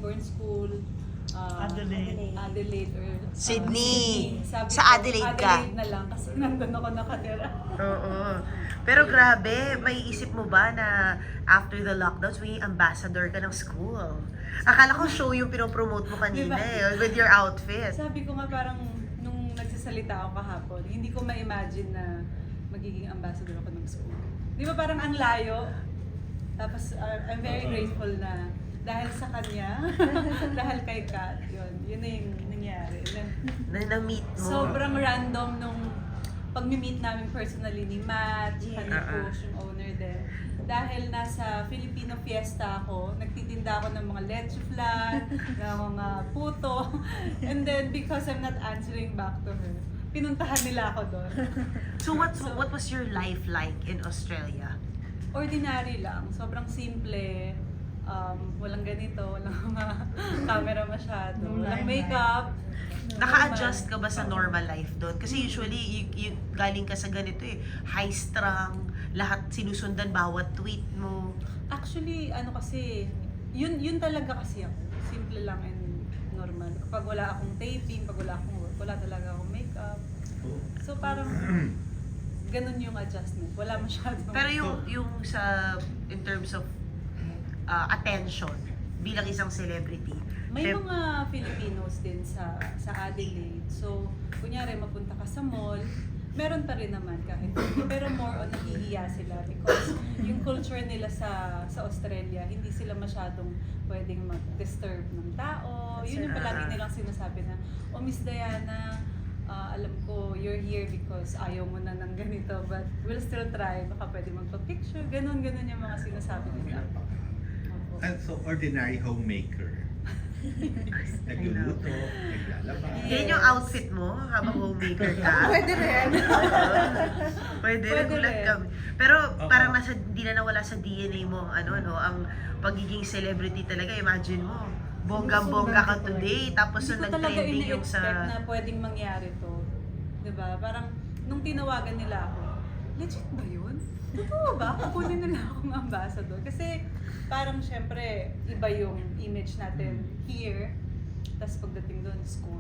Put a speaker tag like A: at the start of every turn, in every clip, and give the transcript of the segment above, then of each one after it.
A: Melbourne School, Adelaide or
B: Sydney.
A: Sabi
B: Sa
A: ko,
B: Adelaide ka?
A: Adelaide na lang kasi nandun ako nakatira.
B: Oo. Pero grabe, may isip mo ba na after the lockdowns, may ambassador ka ng school? Akala ko show yung pinopromote mo kanina
A: Diba?
B: with your outfit.
A: Sabi ko nga parang nung nagsasalita ako kahapon, hindi ko ma-imagine na magiging ambassador ako ng school. Di ba parang ang layo? Tapos I'm very grateful na dahil sa kanya, dahil kay Kat, yun na yung nangyari.
B: Na-meet mo.
A: Sobrang random nung pag-meet namin personally ni Matt, ni Push, yung owner din. Dahil nasa Filipino fiesta ako, nagtitinda ako ng mga leche flan, ng mga puto. And then because I'm not answering back to her, pinuntahan nila ako doon.
B: So what was your life like in Australia?
A: Ordinary lang, sobrang simple. Walang ganito, walang mga camera masyado, walang makeup.
B: Naka-adjust ka ba sa normal life doon? Kasi usually, galing ka sa ganito high-strung, lahat sinusundan bawat tweet mo.
A: Actually, kasi, yun talaga kasi ako. Simple lang and normal. Kapag wala akong taping, pag wala akong work, wala talaga akong makeup. So parang, ganun yung adjustment. Wala masyado.
B: Pero yung in terms of attention, bilang isang celebrity,
A: may mga Filipinos din sa Adelaide. So, kunyari, mapunta ka sa mall, meron pa rin naman kahit hindi. Pero more on nahihiya sila because yung culture nila sa Australia, hindi sila masyadong pwedeng mag-disturb ng tao. Yun yung palagi nilang sinasabi na, oh Miss Diana, alam ko you're here because ayaw mo na ng ganito, but we'll still try. Baka pwede magpa-picture. Ganon yung mga sinasabi nila.
C: And so, ordinary homemaker. Nagluluto, naglalaba.
B: Yan yung outfit mo habang homemaker ka?
A: Pwede rin.
B: Pwede nagulat
A: rin.
B: kami. Pero parang hindi na nawala sa DNA mo ang pagiging celebrity talaga. Imagine mo, bonggang-bongga ka today, tapos
A: Hindi ko
B: nung
A: talaga
B: nag-trending yung
A: ini-expect
B: sa...
A: na pwedeng mangyari to. Diba? Parang, nung tinawagan nila ako, legit ba yun? Totoo ba? Kukunin nila akong ambassador. Kasi, parang syempre, iba yung image natin here. Tapos pagdating doon, school.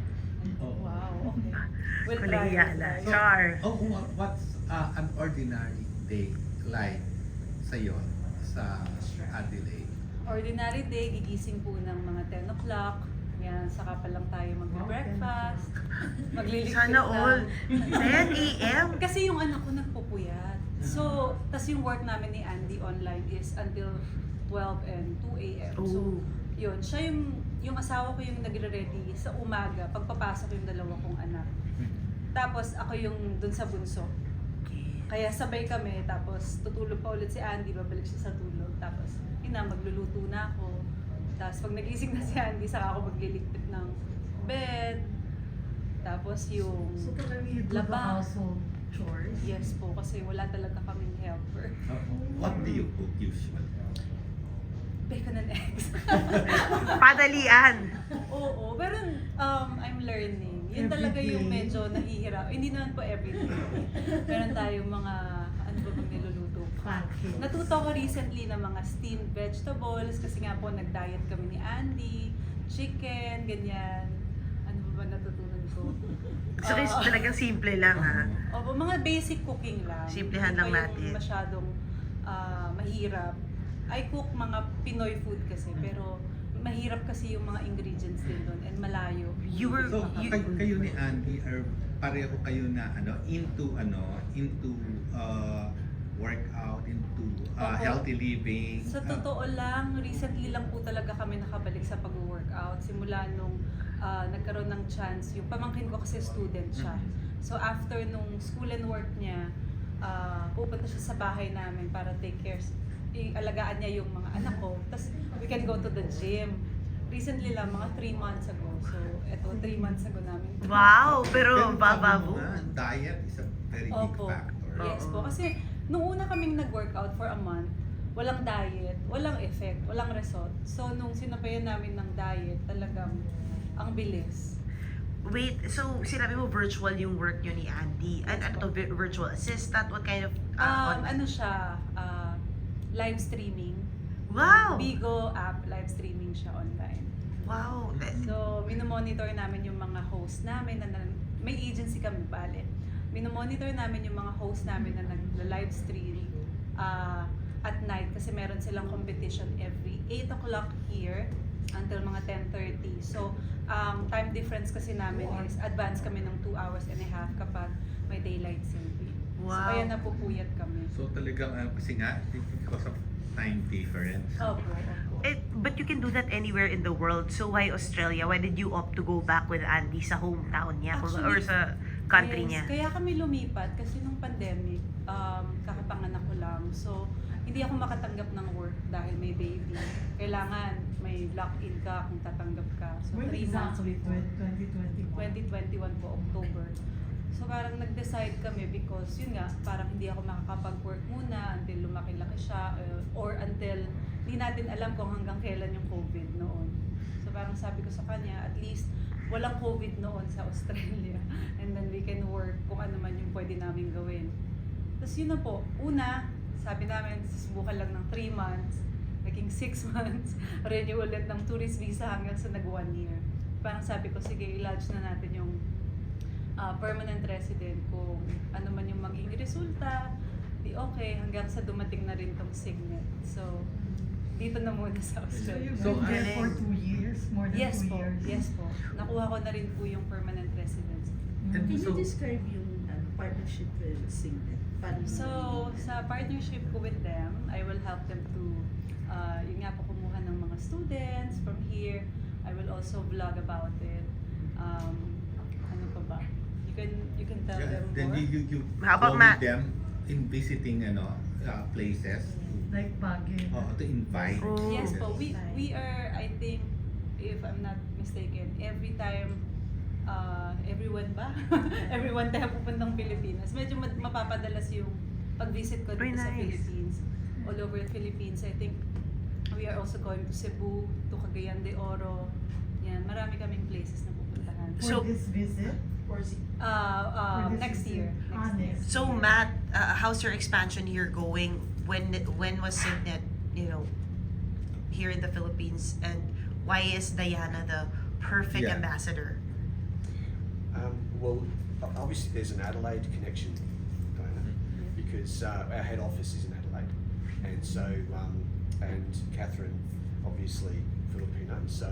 A: Wow, okay. We'll try.
B: So, Char.
C: What's an ordinary day like sa'yo sa Adelaide?
A: Ordinary day, gigising po ng mga 10 o'clock. Yan, saka pa lang tayo mag-breakfast. Magliligpit
B: Sana all. 10 a.m.
A: Kasi yung anak ko nagpupuyat. So, tas yung work namin ni Andy online is until 12 and 2 a.m. So, yun. Siya yung asawa ko yung nagre-ready sa umaga, pagpapasok yung dalawa kong anak. Tapos ako yung dun sa bunso. Kaya sabay kami, tapos tutulog pa ulit si Andy, babalik siya sa tulog. Tapos, magluluto na ako. Tapos pag nagising na si Andy, saka ako magliligpit ng bed. Tapos yung
D: So, talaga you do the
A: laba.
D: household chores?
A: Yes po, kasi wala talaga kaming helper.
C: What do you cook usually?
A: Bacon and eggs.
B: Padalian.
A: Oo, pero I'm learning. Yun talaga yung medyo nahihirap. Hindi naman po everyday. Meron tayong mga, ano ba bang niluluto?
D: Pancakes.
A: Natuto ko recently ng mga steamed vegetables kasi nga po nag-diet kami ni Andy, chicken, ganyan. Ano ba natutunan ko?
B: So, talagang simple lang ha.
A: Opo, mga basic cooking lang.
B: Simplihan lang
A: Hindi pa
B: natin.
A: yung masyadong mahirap. I cook mga Pinoy food kasi, pero mahirap kasi yung mga ingredients din doon and malayo.
C: So, kayo ni Andy, pareho kayo na into workout, into
A: Opo.
C: healthy living.
A: Sa totoo lang, recently lang po talaga kami nakabalik sa pag-workout. Simula nung nagkaroon ng chance, yung pamangkin ko kasi student siya. So after nung school and work niya, pupunta siya sa bahay namin para take care, alagaan niya yung mga anak ko. Tapos we can go to the gym. Recently lang, mga 3 months ago. So eto, 3 months ago namin.
B: Wow, pero bababo.
C: Diet is a very big
A: Opo.
C: factor.
A: Yes po. Kasi nung una kaming nag-workout for a month, walang diet, walang effect, walang result. So nung sinabayan namin ng diet, talagang ang bilis.
B: Wait, so sinabi mo virtual yung work nyo ni Andy. Ano to, virtual assistant? What kind of...
A: Ano siya, live streaming.
B: Wow!
A: Bigo app, live streaming siya online.
B: Wow.
A: So, minomonitor namin yung mga host namin may agency kami bale. Minomonitor namin yung mga host namin na nagla-live stream at night kasi meron silang competition every 8 o'clock here until mga 10:30. So, time difference kasi namin is advance kami ng 2 hours and a half kapag may daylight saving. So,
B: Wow.
A: kaya napupuyat kami.
C: So talagang kasi nga because of time difference.
A: Opo.
B: But you can do that anywhere in the world. So why Australia? Why did you opt to go back with Andy sa hometown niya or
A: Actually,
B: sa country
A: Yes,
B: niya?
A: kaya kami lumipat kasi nung pandemic, kakapanganak ko lang. So, hindi ako makatanggap ng work dahil may baby. Kailangan may lock-in ka kung tatanggap ka. So,
D: When
A: 3 months
D: exactly?
A: before.
D: 2021?
A: 2021 po, October. So parang nag-decide kami because yun nga, parang hindi ako makakapag-work muna until lumaki-laki siya or until hindi natin alam kung hanggang kailan yung COVID noon. So parang sabi ko sa kanya, at least walang COVID noon sa Australia and then we can work kung ano man yung pwede namin gawin. Tapos yun na po, una, sabi namin, susubukan lang ng 3 months, naging 6 months, renew ulit ng tourist visa hanggang sa nag 1 year. Parang sabi ko, sige, i-lodge na natin yung permanent resident kung ano man yung maging resulta, di okay, hanggang sa dumating na rin tong Signet. So, dito na muna sa
D: So
A: Australia.
D: you've
C: So,
D: been there for
B: galing.
D: 2 years? More than
A: Yes
D: 2
A: po,
D: years?
A: yes po. Nakuha ko na rin po yung permanent residence.
C: And
D: Mm.
E: Can
C: so-
E: you describe yung partnership with Signet? Paano
A: So, sa partnership ko with them, I will help them to, yun nga po, kumuha ng mga students from here. I will also vlog about it. Ano pa ba? You can tell
C: Yeah,
A: them
C: then
A: more.
C: you
B: How about
C: go
B: Matt?
C: with them in visiting places
D: Like Baguio.
C: to invite.
B: Oh.
A: Yes po, we are, I think, if I'm not mistaken, every time, everyone ba? Everyone tayo pupuntang Pilipinas. Medyo mapapadalas yung pag-visit ko
B: Very
A: dito sa
B: nice.
A: Philippines. All over the Philippines. I think we are also going to Cebu, to Cagayan de Oro. Yan, marami kaming places na pupuntahan.
D: For
B: So-
D: this visit?
E: Or is it
D: For this
A: Next
D: visit?
A: year. Next year.
D: Next
B: So
D: year.
B: Matt, how's your expansion here going? When was Signet, here in the Philippines, and why is Diana the perfect
C: Yeah.
B: ambassador?
F: Well, obviously there's an Adelaide connection, Diana, because our head office is in Adelaide, and so and Catherine, obviously Filipino, so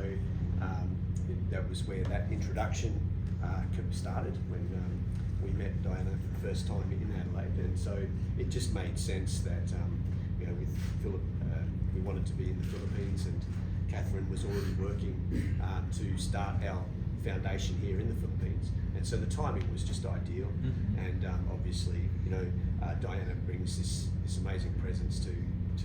F: that was where that introduction started when we met Diana for the first time in Adelaide, and so it just made sense that with Philip, we wanted to be in the Philippines, and Catherine was already working to start our foundation here in the Philippines, and so the timing was just ideal.
C: Mhm.
F: And obviously, Diana brings this amazing presence to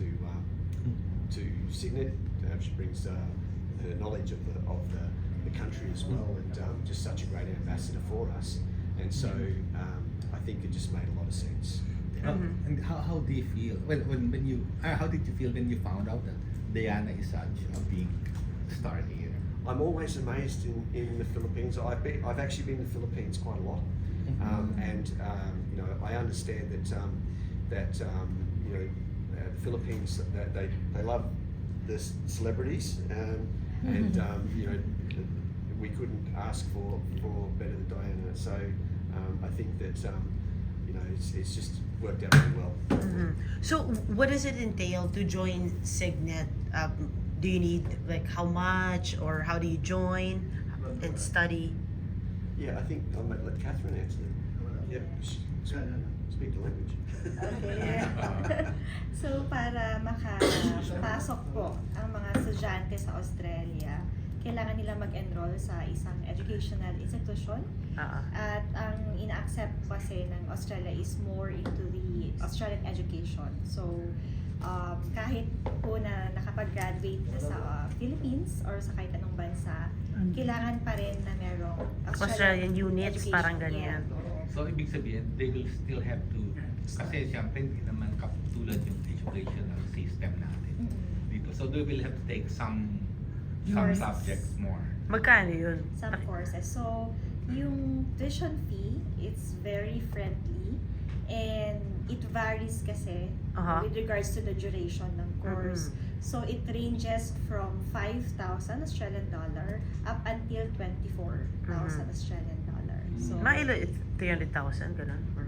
F: Signet. She brings her knowledge of the country as well, and just such a great ambassador for us. And so I think it just made a lot of sense.
C: And how do you feel when you how did you feel when you found out that Diana is such a big star here?
F: I'm always amazed in the Philippines. I've actually been in the Philippines quite a lot, and I understand that the Philippines that they love the celebrities, and we couldn't ask for better than Diana. So I think that it's just worked out really well.
B: So what does it entail to join Signet? Do you need how much, or how do you join and study?
F: Yeah, I think I might let Catherine answer that. Yep, speak the language.
G: Okay. So, para makapasok po ang mga estudyante sa Australia, kailangan nila mag-enroll sa isang educational institution. At ang ina-accept kasi ng Australia is more into the Australian education. So, kahit po na nakapag-graduate na sa Philippines or sa kahit anong bansa, kailangan pa rin na merong
B: Australian units,
G: education.
B: parang ganyan.
G: Yeah.
H: So, ibig sabihin, they will still have to, kasi siyempre hindi naman katulad yung educational system natin dito. So, they will have to take some
G: Courses.
H: subjects more.
B: Magkano yun?
G: Some courses. So, yung tuition fee, it's very friendly and it varies kasi
B: Aha.
G: with regards to the duration ng course. So it ranges from 5,000 Australian dollar up until 24,000 Australian dollar. So
B: Mga ilo, 300,000, ganun? Or...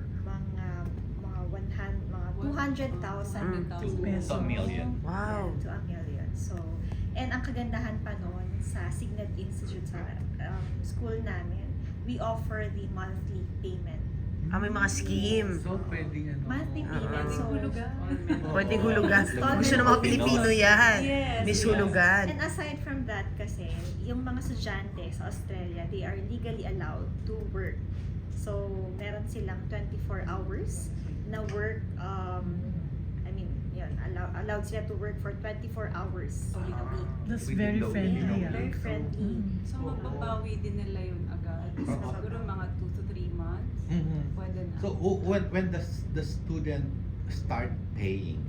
G: mga 200,000
D: Peso.
H: So, a million.
B: Wow.
G: to a million. So, and ang kagandahan pa noon sa Signet Institute sa school namin, we offer the monthly payment.
B: May mga scheme.
H: So, pwedeng ano.
G: Monthly payment.
B: Ah.
G: So,
A: Hulugan.
B: Pwedeng hulugan. Gusto ng mga Pilipino yan.
A: Yes,
B: Miss
A: yes.
B: Hulugan.
G: and aside from that kasi, yung mga estudyante sa Australia, they are legally allowed to work. So, meron silang 24 hours na work, allowed sila to work for 24 hours in a week.
D: That's
H: Within
D: very
H: the
D: friendly.
H: window.
D: ah.
G: Very friendly.
A: So mababawi din nila yun agad. Siguro mga 2 to 3 months. Pwede na.
C: So when does the student start paying?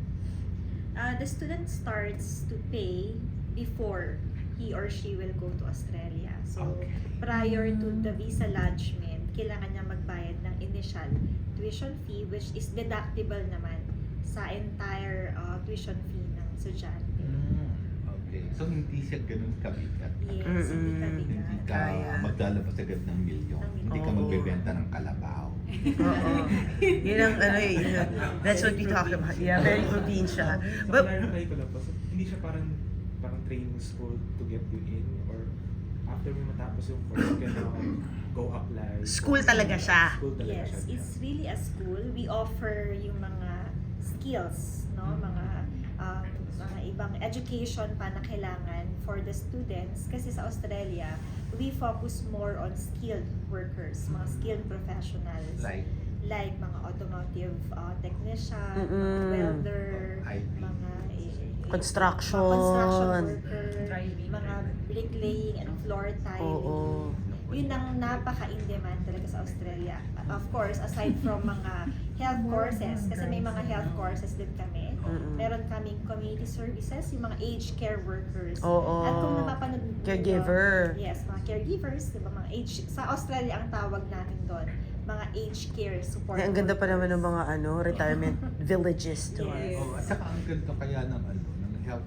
G: The student starts to pay before he or she will go to Australia. So,
C: Okay.
G: prior to the visa lodgement, kailangan niya magbayad ng initial tuition fee which is deductible naman sa entire tuition fee ng estudyante.
C: Okay. So hindi siya ganun kabigat.
G: Yes, hindi ka
C: Hindi
G: bigat.
C: ka
B: Kaya.
C: maglalabas agad ng milyon. Hindi ka
B: Oo.
C: magbebenta ng kalabaw.
B: Oo. Yun ang that's what we talked about. Yeah, very probinsya.
I: So,
B: But,
I: clarify ko lang po. So, hindi siya parang training school to get you in, or after mo matapos yung course, you can now go apply.
B: School talaga siya.
I: School talaga
G: Yes,
I: siya.
G: it's really a school. We offer yung mga skills, no, mga ibang education pa na kailangan for the students. Kasi sa Australia, we focus more on skilled workers, mga skilled professionals. Like mga automotive technician, mga
B: Mm-mm.
G: welder,
C: IT.
G: mga
B: Construction.
G: mga construction worker,
D: Driving.
G: mga bricklaying and floor tiling.
B: Oo.
G: Yun ang napaka-in-demand talaga sa Australia. Of course, aside from mga health courses, kasi may mga health courses din kami.
B: Mm-mm.
G: Meron kaming community services, yung mga aged care workers.
B: Oo.
G: At kung napapanood niyo,
B: Caregiver.
G: yes, mga caregivers, di ba, mga age, sa Australia ang tawag namin doon, mga aged care support
B: Ang ganda pa naman ng
G: workers.
B: mga retirement villages to.
G: Yes.
C: Oh, at saka ang ganda kaya ng health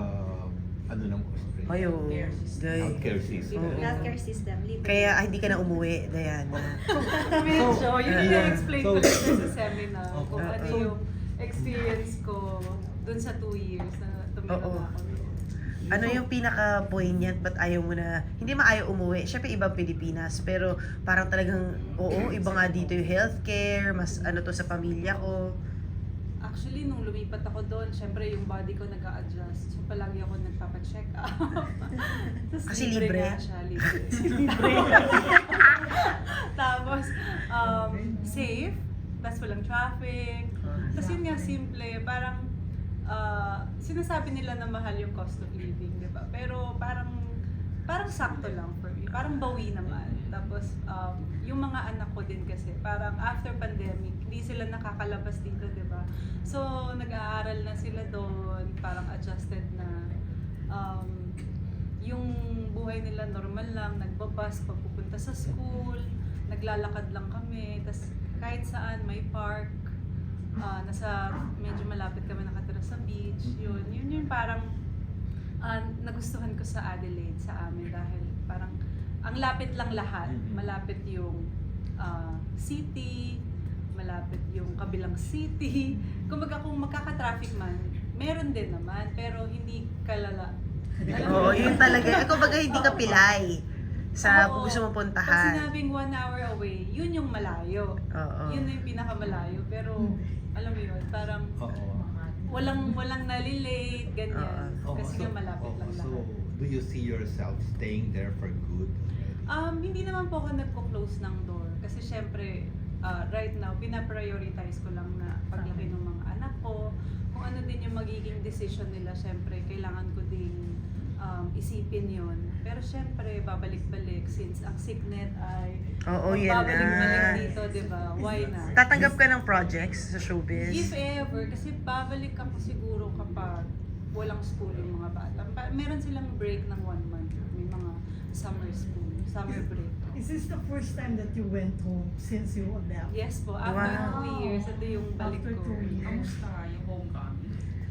C: ng Australia.
B: Ayo,
C: Healthcare system.
B: Oo.
G: Healthcare system, libre.
B: Kaya hindi ka na umuwi, Diana.
A: Medyo, yun yung na-explain ko
C: so-
A: lang sa seminar. Kung
C: Okay.
A: ano yung experience ko dun sa 2 years na tumira
B: Oo.
A: na ako.
B: Ano yung pinaka-poignant, ba't ayaw mo na, hindi maayaw umuwi, syempre ibang Pilipinas, pero parang talagang, oo, iba nga dito yung healthcare, mas ano to sa pamilya ko.
A: Actually, nung lumipat ako doon, syempre yung body ko nag-a-adjust. So, palagi ako nagpapacheck up. Tapos
B: Kasi libre?
A: nga siya, libre. Tapos, safe. Tapos walang traffic. Tapos yun nga, simple. Parang, sinasabi nila na mahal yung cost of living, di ba? Pero parang sakto lang for me. Parang bawi naman. Tapos, yung mga anak ko din kasi, parang after pandemic, hindi sila nakakalabas dito, di ba? So, nag-aaral na sila doon, parang adjusted na. Yung buhay nila normal lang, nagbabas pag pupunta sa school, naglalakad lang kami, tas kahit saan may park, medyo malapit kami nakatira sa beach, yun parang nagustuhan ko sa Adelaide, sa amin, dahil parang ang lapit lang lahat, malapit yung city, malapit yung kabilang city. Kumbaga kung magkaka-traffic man, meron din naman, pero hindi kalala.
B: Oo, yun talaga. Ikaw baga hindi ka pilay sa
A: Oo.
B: gusto mong
A: Pag
B: puntahan.
A: sinabing 1 hour away, yun yung malayo.
B: Oo.
A: Yun na yung pinakamalayo. Pero, alam mo yun, parang
C: Oo.
A: walang nalilate, ganyan.
B: Oo.
A: Kasi nga malapit lang
C: So,
A: lahat.
C: do you see yourself staying there for good?
A: Hindi naman po ako nagko-close ng door. Kasi syempre, right now, pinaprioritize ko lang na paglaki ng mga anak ko. Kung ano din yung magiging decision nila, syempre, kailangan ko ding isipin yun. Pero syempre, babalik-balik since ang Signet ay
B: Oo, yan
A: babalik-balik
B: na.
A: dito, di ba? Why not?
B: Tatanggap ka ng projects sa showbiz?
A: If ever, kasi babalik ako siguro kapag walang school yung mga bata. Meron silang break ng 1 month. May mga summer school, summer break.
D: Is this the first time that you went home since you left?
A: Yes po, after
B: Wow.
A: 2 years, ito yung balik
D: After
A: ko.
D: 2 years.
J: Kamusta yung homecoming?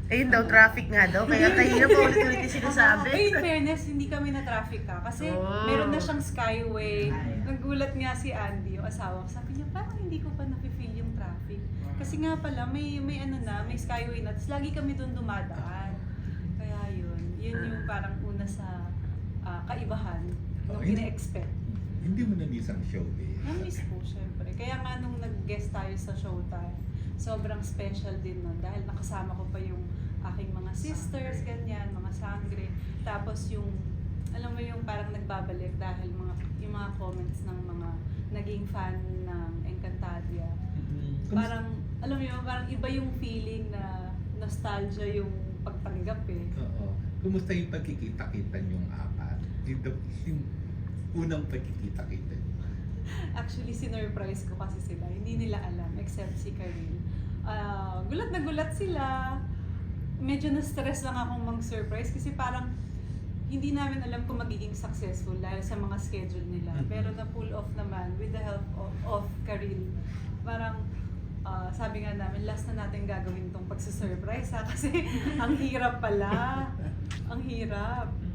B: Ayun daw, traffic nga daw. Kaya kahirap pa ulit-ulit yung sinasabi.
A: Ay, in fairness, hindi kami na-traffic ka. Kasi
B: Oh.
A: meron na siyang skyway. Nagulat nga si Andy, yung asawa ko. Sabi niya, parang hindi ko pa nafe-feel yung traffic. Kasi nga pala, may skyway na. Tapos lagi kami doon dumadaan. Kaya yun yung parang una sa kaibahan nung
C: Okay.
A: ina-expect.
C: Hindi mo na-miss ang show eh.
A: Na-miss po, syempre. Kaya nga nung nag-guest tayo sa Showtime, sobrang special din nun. Dahil nakasama ko pa yung aking mga sisters, ganyan, mga sangre. Tapos yung, alam mo yung parang nagbabalik dahil yung mga comments ng mga naging fan ng Encantadia. Parang, alam mo yun, parang iba yung feeling na nostalgia yung pagtanggap eh.
C: Oo. Kumusta yung pagkikita-kita yung apat? Yung unang pagkikita-kita niyo?
A: Actually, sinurprise ko kasi sila. Hindi nila alam, except si Karil. Gulat na gulat sila. Medyo na-stress lang akong mag-surprise kasi parang hindi namin alam kung magiging successful dahil sa mga schedule nila. Pero na-pull off naman with the help of Karil. Parang sabi nga namin, last na natin gagawin tong pagsusurprise ha kasi ang hirap pala. Ang hirap.